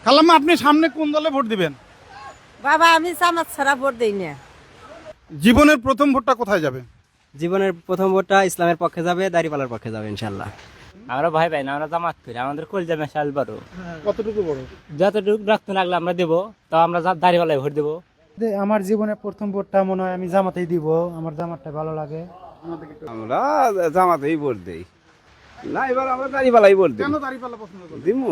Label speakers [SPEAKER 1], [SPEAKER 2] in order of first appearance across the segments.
[SPEAKER 1] খালাম্মা, আপনি সামনে কোন দলে ভোট দিবেন?
[SPEAKER 2] বাবা আমি জামাত ছাড়া ভোট দেই না।
[SPEAKER 1] জীবনের প্রথম ভোটটা কোথায় যাবে?
[SPEAKER 3] জীবনের প্রথম ভোটটা ইসলামের পক্ষে যাবে, দাঁড়িপাল্লার পক্ষে যাবে ইনশাল্লাহ।
[SPEAKER 4] আমরা ভাই ভাই না, আমরা জামাত করি, আমাদের কলজা মেশাল বড়,
[SPEAKER 1] কতটুকু বড়?
[SPEAKER 4] যতটুকু রক্ত লাগলে আমরা দেবো, তো আমরা দাঁড়িয়ে ভোট দেবো।
[SPEAKER 5] আমার জীবনের প্রথম ভোটটা মনে হয় আমি জামাতেই দিব, আমার জামাতটা ভালো লাগে।
[SPEAKER 6] আমরা জামাতেই ভোট দেই না, এবার আমরা দাঁড়িপাল্লাই ভোট দেব।
[SPEAKER 1] কেন দাঁড়িপাল্লা পছন্দ করেন?
[SPEAKER 6] দিমু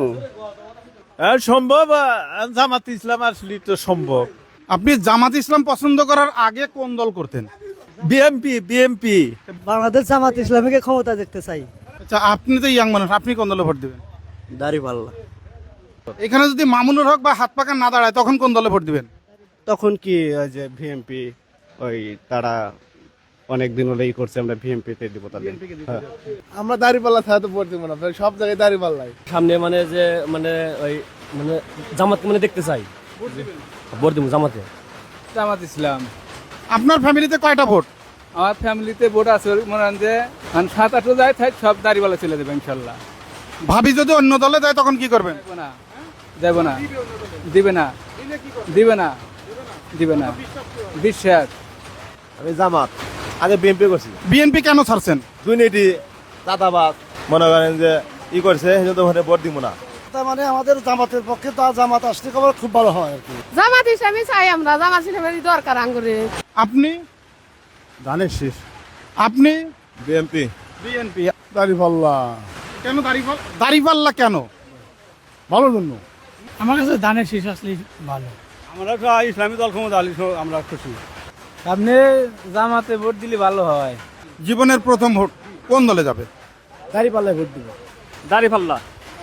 [SPEAKER 7] সম্ভব, জামাত ইসলাম আসলে তো সম্ভব।
[SPEAKER 1] আপনি জামাত ইসলাম পছন্দ করার আগে কোন দল করতেন?
[SPEAKER 7] বিএমপি
[SPEAKER 5] বাংলাদেশ জামাত ইসলামীকে ক্ষমতা দেখতে চাই।
[SPEAKER 1] আচ্ছা, আপনি তো ইয়াং মানুষ, আপনি কোন দলে ভোট দিবেন?
[SPEAKER 3] দাঁড়িপাল্লা।
[SPEAKER 1] এখানে যদি মামুনুর হক বা হাত পাকা না দাঁড়ায় তখন কোন দলে ভোট দিবেন?
[SPEAKER 8] তখন কি ওই যে ভিএমপি, ওই তারা অনেক দিন হলেই করছে, আমরা ভিএমপি তে দিব তাদের।
[SPEAKER 6] আমরা দাঁড়িপাল্লা ছাড়া তো ভোট দিব না, সব জায়গায় দাঁড়িপাল্লাই।
[SPEAKER 3] সামনে মানে যে ওই জামাতকে দেখতে চাই, ভোট দিব জামাতে।
[SPEAKER 9] জামাত ইসলাম।
[SPEAKER 1] আপনার ফ্যামিলিতে কয়টা ভোট?
[SPEAKER 9] আমার ফ্যামিলিতে ভোট আছে মনে হয় যে 7-8 যায়, তাই সব দাঁড়িপাল্লা চলে দেবে ইনশাল্লাহ।
[SPEAKER 1] ভাবি যদি অন্য দলে দেয় তখন কি করবেন?
[SPEAKER 9] দেব না, দিবে না, দিবে না, দিবে না, বিশ্বাস।
[SPEAKER 6] আমি জামাত, আগে বিএমপি করছি।
[SPEAKER 1] বিএনপি কেন ছাড়ছেন?
[SPEAKER 6] দুর্নীতি, চাঁদাবাদ মনে করেন যে ই করছে, সেজন্য ওখানে ভোট দিব না।
[SPEAKER 5] তার মানে আমাদের জামাতের পক্ষে তো জামাত আসলে খুব ভালো হয় আর কি।
[SPEAKER 2] জামাত ইসলামী চাই আমরা, জামাত ইসলামেরই দরকার আঙ্গুরে।
[SPEAKER 1] আপনি?
[SPEAKER 6] ধানের শীষ।
[SPEAKER 1] আপনি?
[SPEAKER 6] বিএমপি।
[SPEAKER 1] বিএনপি।
[SPEAKER 6] দাঁড়িপাল্লা
[SPEAKER 1] কেন দাঁড়িপাল্লা কেন?
[SPEAKER 6] ভালো জন্য।
[SPEAKER 5] আমার কাছে ধানের শীষ আসলে ভালো।
[SPEAKER 7] আমরা ইসলামী দল ক্ষমতা আলি আমরা খুশি।
[SPEAKER 9] আপনি জামাতে ভোট দিলে ভালো হয়।
[SPEAKER 1] জীবনের প্রথম ভোট কোন দলে যাবে?
[SPEAKER 5] দাঁড়িপাল্লায় ভোট দিব।
[SPEAKER 7] দাঁড়িপাল্লা।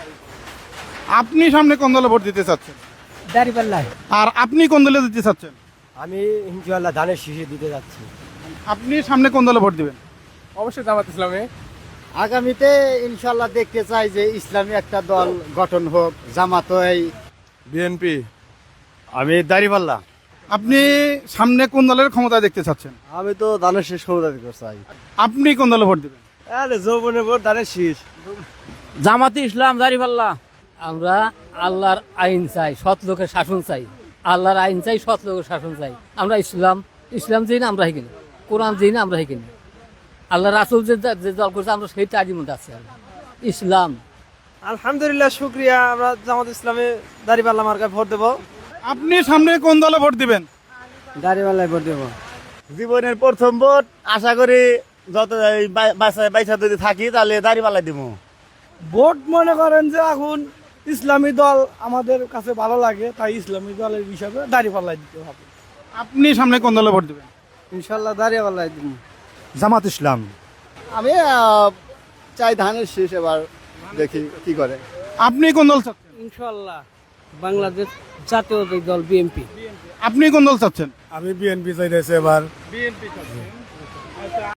[SPEAKER 1] আপনি সামনে কোন দলে ভোট দিতে চাচ্ছেন?
[SPEAKER 5] দাঁড়িপাল্লায়।
[SPEAKER 1] আর আপনি কোন দলে দিতে চাচ্ছেন?
[SPEAKER 3] আমি ইনশাল্লাহ ধানের শীষে দিতে যাচ্ছি।
[SPEAKER 1] আপনি সামনে কোন দলে ভোট দিবেন?
[SPEAKER 9] অবশ্যই জামাত ইসলামে।
[SPEAKER 5] আগামীতে ইনশাল্লাহ দেখতে চাই যে ইসলামী একটা দল গঠন হোক, জামাত এই।
[SPEAKER 6] বিএনপি।
[SPEAKER 8] আমি দাঁড়িপাল্লা।
[SPEAKER 1] আপনি সামনে কোন দলের ক্ষমতা দেখতে চাচ্ছেন?
[SPEAKER 8] আমি তো ধানের শীষ ক্ষমতা দিতে চাই।
[SPEAKER 1] আপনি কোন দলে ভোট দিবেন?
[SPEAKER 8] যৌবনের ভোট ধানের শীষ।
[SPEAKER 4] জামাতে ইসলাম, দাঁড়িপাল্লা। আমরা আল্লাহর আইন চাই, সৎ লোকের শাসন চাই। আল্লাহর আইন চাই, সৎ লোকের শাসন চাই। আমরা ইসলাম চাই না, আমরা হেকিনি। কোরআন চাই না, আমরা হেকিনি। আল্লাহ রাসুল যে দল করছে আমরা সেই তারই মধ্যে আছি। ইসলাম।
[SPEAKER 3] আলহামদুলিল্লাহ, শুক্রিয়া। আমরা জামাত ইসলামে দাঁড়িপাল্লা মার্কায় ভোট দেবো।
[SPEAKER 1] আপনি সামনে কোন দলে ভোট দিবেন?
[SPEAKER 5] দাঁড়িপাল্লায় ভোট দেবো।
[SPEAKER 8] জীবনের প্রথম ভোট আশা করি যত বাইসা যদি থাকি তাহলে দাঁড়িপাল্লাই দিব।
[SPEAKER 5] ভোট মনে করেন যে এখন ইসলামী দল আমাদের কাছে ভালো লাগে, তাই ইসলামী দলের হিসাবে দাঁড়িপাল্লায় দিতে হবে।
[SPEAKER 1] আপনি সামনে কোন দলে ভোট দিবেন?
[SPEAKER 5] ইনশাল্লাহ দাঁড়িপাল্লায় দিব।
[SPEAKER 8] জামাত ইসলাম।
[SPEAKER 6] আমি চাই ধানের শীষ, এবার দেখি কি করে।
[SPEAKER 1] আপনি কোন দল চাচ্ছেন?
[SPEAKER 2] ইনশাআল্লাহ বাংলাদেশ জাতীয় দল বিএনপি।
[SPEAKER 1] আপনি কোন দল চাচ্ছেন?
[SPEAKER 8] আমি বিএনপি চাইতেছি এবার।
[SPEAKER 1] বিএনপি চাচ্ছেন।